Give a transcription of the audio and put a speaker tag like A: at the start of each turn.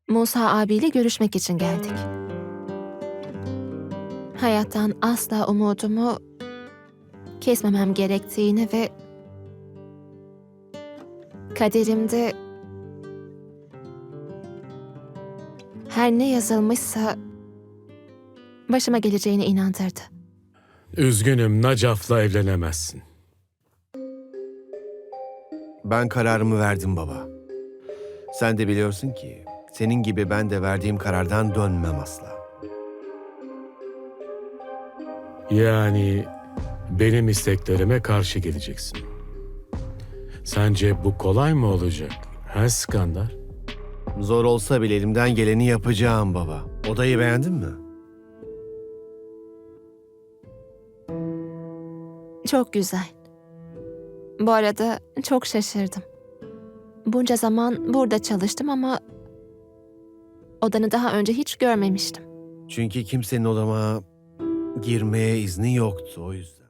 A: Musa abiyle görüşmek için geldik. Hayattan asla umudumu kesmemem gerektiğini ve kaderimde her ne yazılmışsa başıma geleceğine inandırdı.
B: Üzgünüm, Nacaf'la evlenemezsin.
C: Ben kararımı verdim baba. Sen de biliyorsun ki senin gibi ben de verdiğim karardan dönmem asla.
B: Yani benim isteklerime karşı geleceksin. Sence bu kolay mı olacak? Ha Skandar?
C: Zor olsa bile elimden geleni yapacağım baba. Odayı beğendin mi?
A: Çok güzel. Bu arada çok şaşırdım. Bunca zaman burada çalıştım ama odanı daha önce hiç görmemiştim.
C: Çünkü kimsenin odama girmeye izni yoktu o yüzden.